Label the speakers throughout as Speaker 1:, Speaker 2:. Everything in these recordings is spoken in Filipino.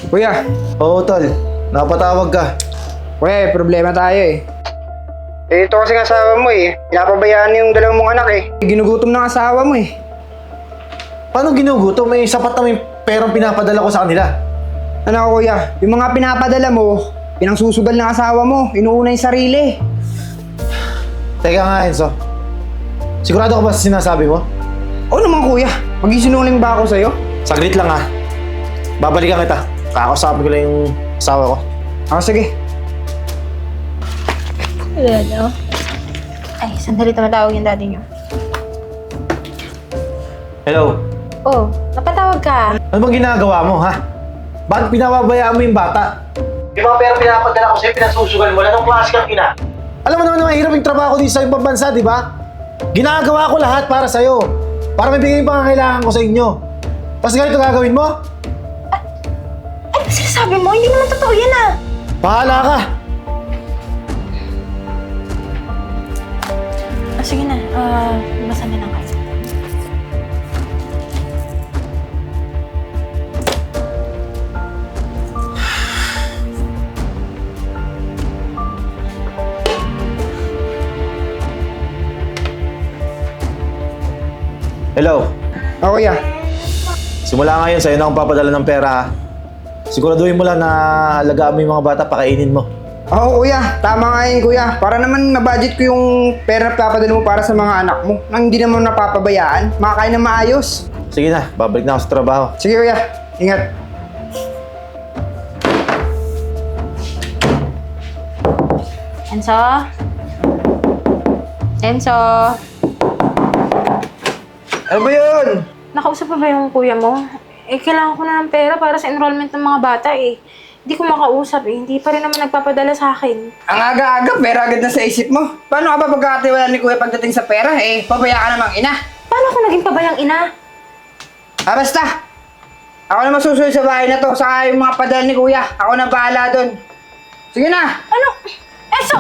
Speaker 1: Kuya,
Speaker 2: Oo, tol. Napatawag ka.
Speaker 1: kuya, problema tayo eh. Ito kasi ng asawa mo eh. Pinapabayaan yung dalawang mong anak eh. Ginugutom ng asawa mo eh.
Speaker 2: Paano ginugutom? May sapat na may perang pinapadala ko sa kanila.
Speaker 1: Ano kuya, yung mga pinapadala mo, pinangsusugal ng asawa mo, inuuna yung sarili.
Speaker 2: Teka nga, Enzo. Sigurado ka ba sa sinasabi mo?
Speaker 1: Oo naman kuya, magisinungaling ba ako sa'yo?
Speaker 2: Saglit lang ha. Babalikan kita. Kakausapin ko lang yung asawa ko.
Speaker 1: Ako sige.
Speaker 3: Ano? Ay, sandali tumatawag yung daddy niyo.
Speaker 2: Hello?
Speaker 3: Oh, napatawag ka.
Speaker 2: Ano bang ginagawa mo, ha? Bakit pinababayaan mo yung bata? Yung mga pera pinapadala ko sa'yo, pinasusugal mo. Anong klase kang ina? Alam mo naman na mahirap yung trabaho dito sa ibang bansa, di ba? Ginagawa ko lahat para sa'yo. Para mabigay yung pangangailangan ko sa inyo. Tapos ganito gagawin mo?
Speaker 3: Ano ba sinasabi mo? Hindi naman totoo yan ah.
Speaker 2: Bahala ka!
Speaker 3: Sige na, basa na lang kayo.
Speaker 2: Hello?
Speaker 1: Ako kuya.
Speaker 2: Simula ngayon, sa'yo na akong papadala ng pera, ha? Siguraduhin mo lang na alagaan mo yung mga bata, pakainin mo.
Speaker 1: Oo kuya, tama nga yun kuya. Para naman na-budget ko yung pera na papadala mo para sa mga anak mo. Nang hindi naman napapabayaan, makakain na maayos.
Speaker 2: Sige na, babalik na ako sa trabaho.
Speaker 1: Sige kuya, ingat.
Speaker 3: Enzo? Enzo?
Speaker 1: Ano ba yun?
Speaker 3: Nakausap pa ba yung kuya mo? Eh, kailangan ko na ng pera para sa enrollment ng mga bata eh. Hindi ko makausap eh. Hindi pa rin naman nagpapadala sa akin.
Speaker 1: Ang aga-aga, pera agad na sa isip mo. Paano ka ba pagkakatiwala ni kuya pagdating sa pera? Eh, pabaya ka namang ina.
Speaker 3: Paano ako naging pabayang ina?
Speaker 1: Ah, basta. Ako na masusunod sa bahay na to. Saka yung mga padala ni kuya. Ako na bahala doon. Sige na.
Speaker 3: Ano? Enzo!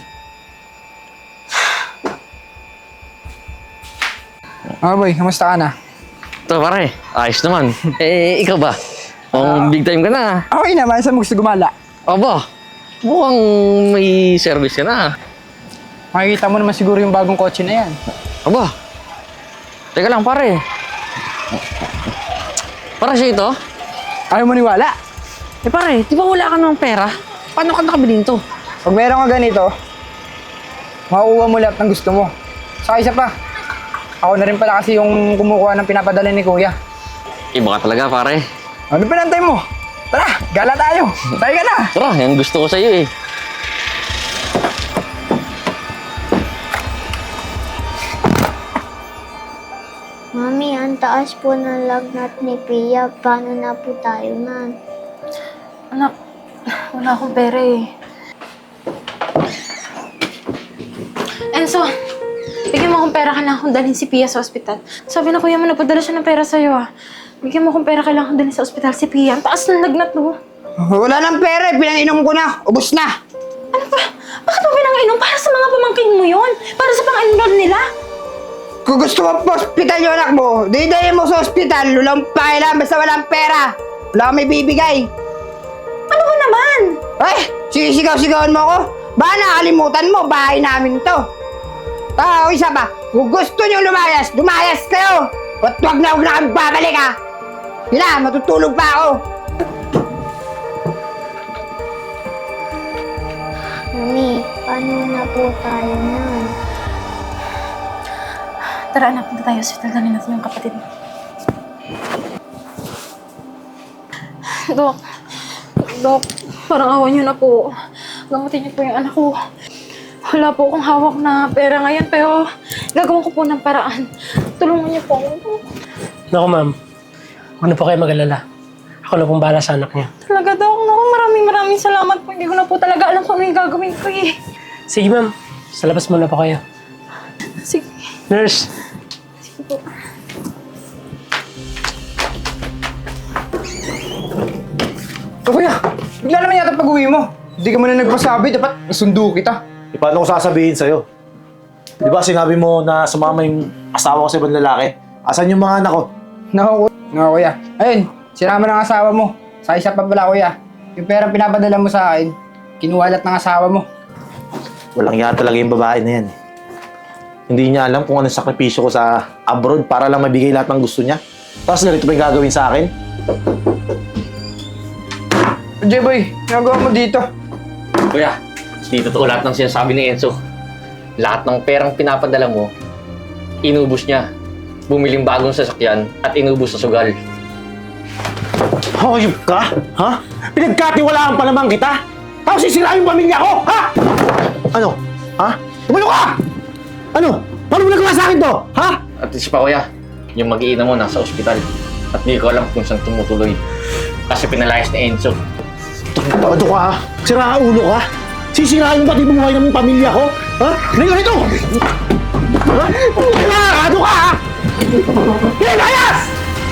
Speaker 1: Ah, boy, kamusta ka na?
Speaker 4: Ito pare, ayos naman. Ikaw ba? Big time ka na.
Speaker 1: Okay naman, saan mo gusto gumala?
Speaker 4: Aba, mukhang may service ka na.
Speaker 1: Makikita mo naman siguro yung bagong kotse na yan.
Speaker 4: Aba, teka lang pare. Para siya ito?
Speaker 1: Ayaw mo niwala?
Speaker 4: Eh pare, di ba wala ka ng pera? Paano ka nakabili nito?
Speaker 1: Pag meron ka ganito, makukuha mo lahat ng gusto mo. Saka isa pa, ako na rin pala kasi yung kumukuha ng pinapadala ni kuya.
Speaker 4: Iba ka talaga pare.
Speaker 1: Ano pinantay mo? Tara, gala tayo. Tayo ka na.
Speaker 4: Tara, yan gusto ko sa iyo eh.
Speaker 5: Mami, ang taas po ng lagnat ni Pia. Paano na po tayo nan?
Speaker 3: Anak, wala akong pera eh. Enzo, bigyan mo akong pera, kailangan kong dalhin si Pia sa ospital. Sabi na kuya mo, nagpadala siya ng pera sa'yo ah. Bigyan mo akong pera, kailangan kong dalhin sa ospital si Pia. Ang taas ng lagnat no.
Speaker 1: Wala nang pera, pinang-inom ko na. Ubus na.
Speaker 3: Ano ba? Bakit mo pinang-inom? Para sa mga pamangkin mo yon. Para sa pang-enroll nila.
Speaker 1: Kung gusto mo pa hospital yung anak mo, didayin mo sa hospital, lulang pakailan, basta walang pera. Wala kang may bibigay.
Speaker 3: Ano ba naman?
Speaker 1: Ay, sisigaw-sigawan mo ako. Baka nakalimutan mo, bahay namin to. O isa pa, kung gusto nyo lumayas, lumayas kayo. At huwag na kami babalik ha. Yun na, matutulog pa ako.
Speaker 5: Mami, paano na po tayo nan?
Speaker 3: Tara anak, punta tayo sa ospital. Dalhin natin yung kapatid mo. Dok, parang awan niyo na po. Gamutin niyo po yung anak ko. Wala po akong hawak na pera ngayon, pero gagawin ko po ng paraan. Tulungan niyo po ako.
Speaker 6: Naku ma'am, huwag na po kayo mag-alala. Ako na pong bahala sa anak niya.
Speaker 3: Talaga, Dok. Naku, maraming salamat po. Hindi ko na po talaga alam kung ano yung gagawin ko eh.
Speaker 6: Sige ma'am, sa labas muna po kayo.
Speaker 3: Sige.
Speaker 6: Nurse!
Speaker 3: Sige po.
Speaker 1: Kuya, bigla naman yata pag-uwi mo. Hindi ka man na nagpasabi, dapat nasundo kita.
Speaker 2: E paano ko sasabihin sa'yo? Di ba sinabi mo na sumama yung asawa ko sa ibang lalaki? Asan yung mga anak ko?
Speaker 1: Naku kuya. Ayun, sinama ng asawa mo.
Speaker 7: Sa isa pa pala kuya, yung perang pinapadala mo sa akin, kinuwalat ng asawa mo.
Speaker 2: Walang iya talaga yung babae na yan. Hindi niya alam kung anong sakripisyo ko sa abroad para lang mabigay lahat ng gusto niya. Tapos ganito pa yung gagawin sa akin.
Speaker 7: J-boy, ginagawa mo dito?
Speaker 4: Kuya, di totoo lahat ng sinasabi ni Enzo. Lahat ng perang pinapadala mo, inubos niya. Bumiling bagong sasakyan at inubos sa sugal.
Speaker 2: Hayop ka? Ha? Pinagkatiwalaan pa naman kita? Tapos sisirain yung pamilya ko? Ha? Ano? Ha? Tumalo ka! Ano? Paano mo nagawa sa akin to? Ha?
Speaker 4: At isa pa kuya, yung mag-iina mo nasa ospital. At di ko alam kung saan tumutuloy. Kasi pinalayas ni Enzo.
Speaker 2: Tado ka ha? Sira ulo ka? Sisirain mo pati buhay ng pamilya ko? Ha? Ngayon ito! Ha? Tado ka ha? Pinayas!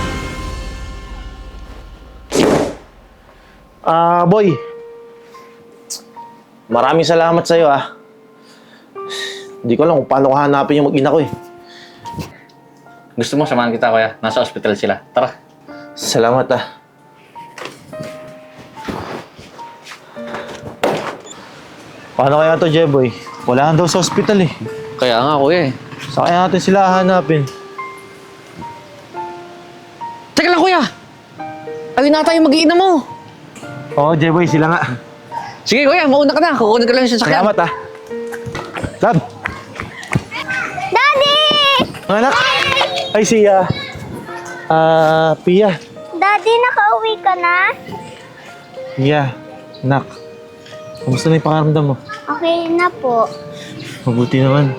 Speaker 2: Boy. Maraming salamat sa'yo ah. Hindi ko alam kung paano ko hanapin yung mag-ina ko eh.
Speaker 4: Gusto mo samahan kita kuya? Nasa ospital sila. Tara.
Speaker 2: Salamat ah. Paano kaya to, Jeboy? Wala nga daw sa ospital eh.
Speaker 4: Kaya nga kuya eh.
Speaker 2: Saan kaya natin sila hahanapin?
Speaker 4: Teka lang kuya! Ayun na tayo mag-iina mo!
Speaker 2: Oo, Jeboy, sila nga.
Speaker 4: Sige kuya, mauna ka na. Kukunin ko lang yung sasakyan.
Speaker 2: Salamat ah. Lab!
Speaker 5: Daddy!
Speaker 2: Mga anak! Ay, siya. Pia.
Speaker 5: Daddy, nakauwi ka na?
Speaker 2: Pia, anak. Kamusta na yung pakaramdam mo?
Speaker 5: Okay na po.
Speaker 2: Mabuti naman.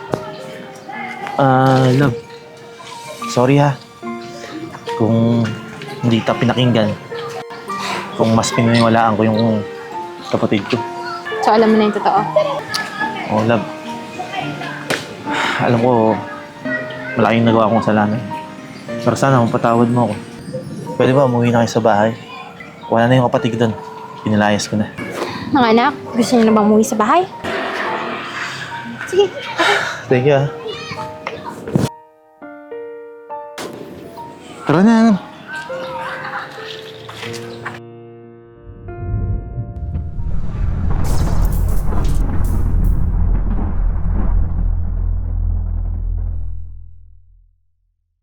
Speaker 2: Love. Sorry ha. Kung hindi kita pinakinggan. Kung mas pinaniwalaan ko yung kapatid ko.
Speaker 3: So, alam mo na yung totoo.
Speaker 2: Oh, love. Alam ko, malaking nagawa kong kasalanan. Pero sana mapatawad mo ako. Pwede ba umuwi na kayo sa bahay? Wala na yung kapatid ko doon. Pinilayas ko na.
Speaker 3: Mga anak, gusto niyo na bang umuwi sa bahay? Sige.
Speaker 2: Thank you ah. Tara na,